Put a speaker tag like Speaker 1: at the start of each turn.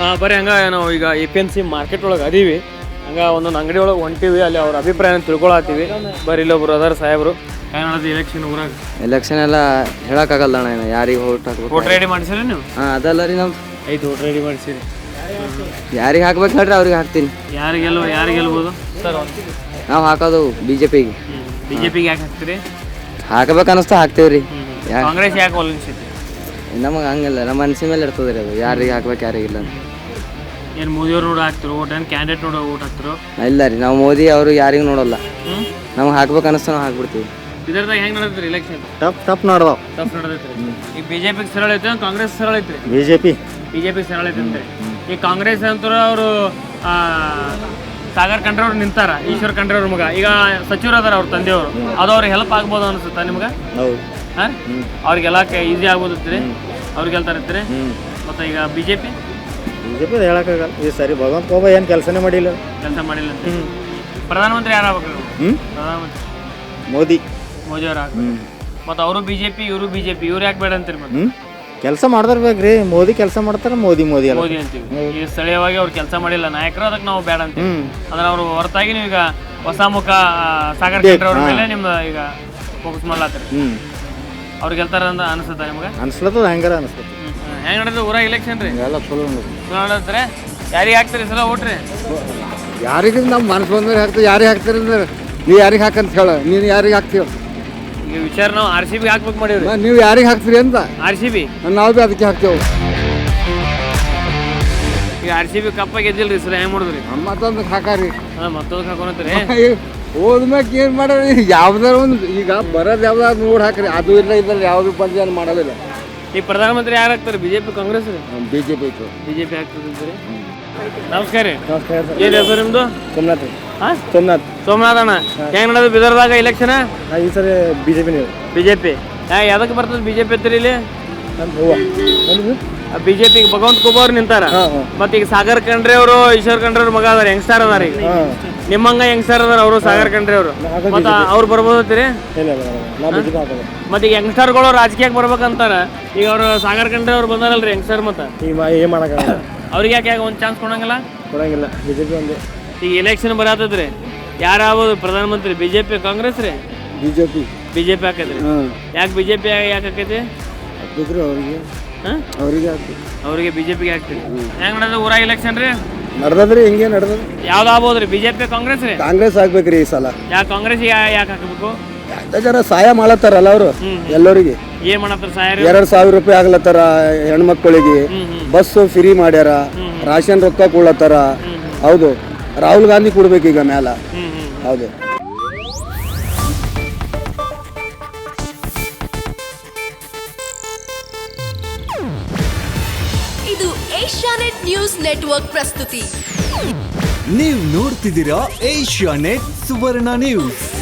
Speaker 1: ಬರೀ ಹಂಗೆ ನಾವು ಈಗ APMC ಮಾರ್ಕೆಟ್ ಒಳಗೆ ಅದೀವಿ. ಹಂಗೆ ಒಂದೊಂದು ಅಂಗಡಿ ಒಳಗೆ ಹೊಂಟಿವಿ, ಅಲ್ಲಿ ಅವ್ರ ಅಭಿಪ್ರಾಯನ ತಿಳ್ಕೊಳತ್ತೀವಿ. ಬರೀ ಇಲ್ಲೊಬ್ರು ಅದಾರ ಸಾಹೇಬ್ರು. ಹೆಂಗೆ ಎಲೆಕ್ಷನ್ ಊರಾಗ?
Speaker 2: ಎಲೆಕ್ಷನ್ ಎಲ್ಲ ಹೇಳಕ್ಕಾಗಲ್ಲ ಅಣ್ಣ, ಯಾರಿಗೆ ಓಟ್ ಹಾಕ್ಬೇಕು.
Speaker 1: ವೋಟ್ ರೆಡಿ ಮಾಡಿಸಿರಿ ನೀವು?
Speaker 2: ಅದಲ್ಲ ರೀ ನಮ್ದು
Speaker 1: ಐದು ವೋಟ್ ರೆಡಿ ಮಾಡಿಸಿರಿ.
Speaker 2: ಯಾರಿಗೆ ಹಾಕ್ಬೇಕು ಹೇಳ್ರಿ ಅವ್ರಿಗೆ ಹಾಕ್ತೀನಿ.
Speaker 1: ಯಾರು ಗೆಲ್ಬೋದು ಸರ್?
Speaker 2: ನಾವು ಹಾಕೋದು BJPಗೆ.
Speaker 1: BJPಗೆ ಯಾಕೆ ಹಾಕ್ತೀರಿ?
Speaker 2: ಹಾಕ್ಬೇಕು ಅನಿಸ್ತಾ ಹಾಕ್ತೇವೆ ರೀ.
Speaker 1: ಕಾಂಗ್ರೆಸ್ ಯಾಕೆ ಒಲಗಿಸಿದ್ರಿ?
Speaker 2: ನಮಗೆ ಹಂಗಿಲ್ಲ, ನಮ್ಮ ಮನಸ್ಸಿನ ಮೇಲೆ ಇರ್ತದೆ ರೀ ಅದು, ಯಾರಿಗೆ ಹಾಕ್ಬೇಕು ಯಾರಿಗಿಲ್ಲ ಅಂತ.
Speaker 1: ಏನು ಮೋದಿಯವ್ರು ನೋಡಿ ಹಾಕ್ತಿರೋ ಓಟ್, ಏನು ಕ್ಯಾಂಡಿಡೇಟ್ ನೋಡಿ ಓಟ್ ಹಾಕ್ತಿರೋ?
Speaker 2: ಇಲ್ಲ ರೀ, ನಾವು ಮೋದಿ ಅವರು ಯಾರಿಗೂ ನೋಡಲ್ಲ. ನಮ್ಗೆ ಹಾಕ್ಬೇಕು ಅನಿಸ್ತಾ ನಾವು ಹಾಕ್ಬಿಡ್ತೀವಿ.
Speaker 1: ಇದರದಾಗ ಹೆಂಗೆ ನಡೆದ್ರಿ ಎಲೆಕ್ಷನ್?
Speaker 2: ಟಫ್ ನೋಡ್ದಾವ.
Speaker 1: ಟಫ್ ನಡೆದೈತ್ರಿ. ಈಗ BJPಗೆ ಸರಳ ಐತೆ, ಕಾಂಗ್ರೆಸ್ ಸರಳ ಐತ್ರಿ? BJP ಸರಳ ಐತೆ ಅಂತೆ. ಈ ಕಾಂಗ್ರೆಸ್ ಅಂತೂ ಅವರು ಸಾಗರ್ ಖಂಡ್ರೆ ಅವ್ರು ನಿಂತಾರ, ಈಶ್ವರ್ ಖಂಡ್ರೆ ಅವ್ರ ಮಗ. ಈಗ ಸಚಿವರು ಅದಾರ ಅವ್ರ ತಂದೆಯವರು, ಅದು ಅವ್ರಿಗೆ ಹೆಲ್ಪ್ ಆಗ್ಬೋದು ಅನಿಸುತ್ತಾ ನಿಮ್ಗೆ? ಹಾಂ, ಅವ್ರಿಗೆಲ್ಲ ಈಸಿ ಆಗ್ಬೋದತ್ತೀರಿ, ಅವ್ರಿಗೆ ಹೇಳ್ತಾರತ್ತೀರಿ. ಮತ್ತು ಈಗ BJP
Speaker 2: ಹೇಳಕ್ಕಾಗಲ್ಲ ಈ ಸರಿ. ಭಗವಂತ ಒಬ್ಬ ಏನು ಕೆಲಸ ಮಾಡಿಲ್ಲ
Speaker 1: ಅಂತ. ಪ್ರಧಾನಮಂತ್ರಿ ಯಾರು ಆಗ್ಬೇಕು? ಪ್ರಧಾನಮಂತ್ರಿ
Speaker 2: ಮೋದಿ
Speaker 1: ಅವ್ರು ಆಗ್ಬೇಕು. ಮತ್ತು ಅವರು BJP, ಇವರು BJP, ಇವ್ರು ಯಾಕೆ ಬೇಡ ಅಂತೀರಿ? ಮತ್ತೆ
Speaker 2: ಕೆಲಸ ಮಾಡ್ದಿರ್ಬೇಕ್ರಿ. ಮೋದಿ ಕೆಲಸ ಮಾಡ್ತಾರೆ, ಮೋದಿ
Speaker 1: ಅಂತೀವಿ. ಈ ಸ್ಥಳೀಯವಾಗಿ ಅವ್ರು ಕೆಲಸ ಮಾಡಿಲ್ಲ ನಾಯಕರು, ಅದಕ್ಕೆ ನಾವು ಬೇಡ ಅಂತೀವಿ. ಅಂದ್ರೆ ಅವರು ಹೊರತಾಗಿ ನೀವು ಈಗ ಹೊಸ ಮುಖ ಸಾಗರ್ ಖಂಡ್ರೆ ಅವ್ರ ಮೇಲೆ ನಿಮ್ದು ಈಗ ಫೋಕಸ್ ಮಾಡ್ಲಾತ್ರಿ. ಅವ್ರು ಗೆಲ್ತಾರ ಅಂತ ಅನಿಸುತ್ತಾ ನಿಮ್ಗೆ?
Speaker 2: ಅನ್ಸ್ಲತ್ತದ ಹೆಂಗಾರ ಅನಿಸ್ತದೆ.
Speaker 1: ಹೆಂಗೆ ನಡೆದ ಊರಾಗ ಎಲೆಕ್ಷನ್ ರೀ?
Speaker 2: ಎಲ್ಲ ಚಲೋ
Speaker 1: ನಡೆದ್ರೆ ಯಾರಿಗೆ ಹಾಕ್ತೀರಿ ಸಲ ಓಟ್ರಿ?
Speaker 2: ಯಾರಿಗೆ ನಮ್ಮ ಮನಸ್ಸು ಬಂದ್ರೆ ಹಾಕ್ತೀವಿ. ಯಾರಿಗೆ ಹಾಕ್ತೀರಿ ಅಂದ್ರೆ ನೀವು ಯಾರಿಗೆ ಹಾಕಂತ ಹೇಳ, ನೀನು ಯಾರಿಗೆ ಹಾಕ್ತೀವಿ?
Speaker 1: ಈಗ ವಿಚಾರ ನಾವು RCB ಹಾಕ್ಬೇಕು ಮಾಡೀವ್ರಿ.
Speaker 2: ನೀವು ಯಾರಿಗೆ ಹಾಕ್ತೀರಿ ಅಂತ?
Speaker 1: RCB
Speaker 2: ನಾವು ಭೀ ಅದಕ್ಕೆ ಹಾಕ್ತೇವೆ.
Speaker 1: ಈಗ RCB ಕಪ್ಪ ಗೆದ್ದಿಲ್ರಿ ಸರ್, ಹೆಂಗೆ ಮಾಡಿದ್ರಿ?
Speaker 2: ಮತ್ತೊಂದು ಹಾಕಾರಿ.
Speaker 1: ಮತ್ತೊಂದು ಹಾಕೋಣತ್ರಿ.
Speaker 2: ಹೋದ್ಮ್ಯಾಗ ಏನು ಮಾಡೋರಿ? ಯಾವ್ದಾರ ಒಂದು ಈಗ ಬರೋದು ಯಾವ್ದಾದ್ರು ನೋಡಿ ಹಾಕ್ರಿ. ಅದು ಇಲ್ಲ ಇದ್ರಲ್ಲಿ ಯಾವ್ದು ಬಂದು ಏನು ಮಾಡೋದಿಲ್ಲ.
Speaker 1: ಈಗ ಪ್ರಧಾನಮಂತ್ರಿ ಯಾರು ಆಗ್ತಾರೆ? BJP, ಕಾಂಗ್ರೆಸ್ ರೀ?
Speaker 2: BJP ಐತೆ.
Speaker 1: BJP ಆಗ್ತದೆ. ನಮಸ್ಕಾರ ರೀ.
Speaker 2: ನಮಸ್ಕಾರ.
Speaker 1: ಏನು ಹೆಸರು ನಿಮ್ಮದು?
Speaker 2: ಸೋಮನಾಥ್.
Speaker 1: ಹಾಂ,
Speaker 2: ಸೋಮನಾಥ್
Speaker 1: ಅಣ್ಣ. ಹೆಂಗೆ ನಡೆದು ಬಿದರ್ದಾಗ ಎಲೆಕ್ಷನ್?
Speaker 2: ಈ ಸರಿ BJP.
Speaker 1: ಯಾವ್ದಕ್ಕೆ ಬರ್ತದೆ BJP ಹತ್ತಿರ ಇಲ್ಲಿ? BJP ಭಗವಂತ ಖೂಬ ಅವ್ರು ನಿಂತಾರ. ಮತ್ತೆ ಈಗ ಸಾಗರ್ ಖಂಡ್ರೆ ಅವರು, ಈಶ್ವರ್ ಖಂಡ್ರೆ ಅವ್ರ ಮಗ ಅದಾರ, ಯಂಗ್ಸ್ಟಾರ್ ಅದಾರ. ಈಗ ನಿಮ್ಮಂಗ ಯಂಗ್ಸ್ಟಾರ್ ಅದಾರ ಅವರು, ಸಾಗರ್ ಖಂಡ್ರೆ ಅವರು. ಮತ್ತೆ ಅವ್ರು ಬರ್ಬೋದತ್ತೀರಿ? ಮತ್ತೆ ಈಗ ಯಂಗ್ಸ್ಟಾರ್ಗಳು ರಾಜಕೀಯಕ್ಕೆ ಬರ್ಬೇಕಂತಾರ. ಈಗ ಅವರು ಸಾಗರ್ ಖಂಡ್ರೆ ಅವ್ರು ಬಂದಾರಲ್ರಿ ಯಂಗ್ಸ್ಟಾರ್. ಮತ್ತೆ ಅವ್ರಿಗೆ ಯಾಕೆ ಒಂದು ಚಾನ್ಸ್ ಕೊಡಂಗಿಲ್ಲ?
Speaker 2: BJP ಒಂದು.
Speaker 1: ಈಗ ಎಲೆಕ್ಷನ್ ಬರತ್ತದ್ರಿ, ಯಾರು ಆಗ್ಬೋದು ಪ್ರಧಾನಮಂತ್ರಿ? BJP, ಕಾಂಗ್ರೆಸ್ ರೀ? BJP ಹಾಕೈತ್ರಿ. ಯಾಕೆ BJP ಯಾಕೆ ಹಾಕೈತಿ? ಅವ್ರಿಗೆ BJPಗೆ ಹಾಕ್ತೀರಿ. ಹೆಂಗ್ ನಡೆದ ಊರಾಗ ಎಲೆಕ್ಷನ್ ರೀ?
Speaker 2: ನಡ್ದದ್ರಿ, ಹಿಂಗೆ ನಡ್ದದ.
Speaker 1: ಯಾವ್ದು ಆಗ್ಬೋದ್ರಿ? BJP, ಕಾಂಗ್ರೆಸ್ ರೀ?
Speaker 2: ಕಾಂಗ್ರೆಸ್ ಆಗ್ಬೇಕ್ರಿ ಈ ಸಲ.
Speaker 1: ಯಾಕೆ ಕಾಂಗ್ರೆಸ್ ಯಾಕೆ ಹಾಕಬೇಕು?
Speaker 2: ಜರ ಸಹಾಯ ಮಾಡತ್ತಾರಲ್ಲ ಅವರು ಎಲ್ಲರಿಗೆ.
Speaker 1: ಏನ್ ಮಾಡತ್ತಾರ ಸಹಾಯ?
Speaker 2: 2,000 ರೂಪಾಯಿ ಆಗ್ಲತ್ತಾರ ಹೆಣ್ಮಕ್ಳಿಗೆ. ಬಸ್ ಫ್ರೀ ಮಾಡ್ಯಾರ, ರಾಷನ್ ರೊಕ್ಕ ಕೊಡ್ಲತ್ತಾರ. ಹೌದು, ರಾಹುಲ್ ಗಾಂಧಿ ಕೊಡ್ಬೇಕೀಗ ಮ್ಯಾಲ. ಹೌದು.
Speaker 3: ಇದು ಏಷ್ಯಾನೆಟ್ ನ್ಯೂಸ್ ನೆಟ್ವರ್ಕ್ ಪ್ರಸ್ತುತಿ.
Speaker 4: ನೀವು ನೋಡ್ತಿದ್ದೀರಾ ಏಷ್ಯಾನೆಟ್ ಸುವರ್ಣ ನ್ಯೂಸ್.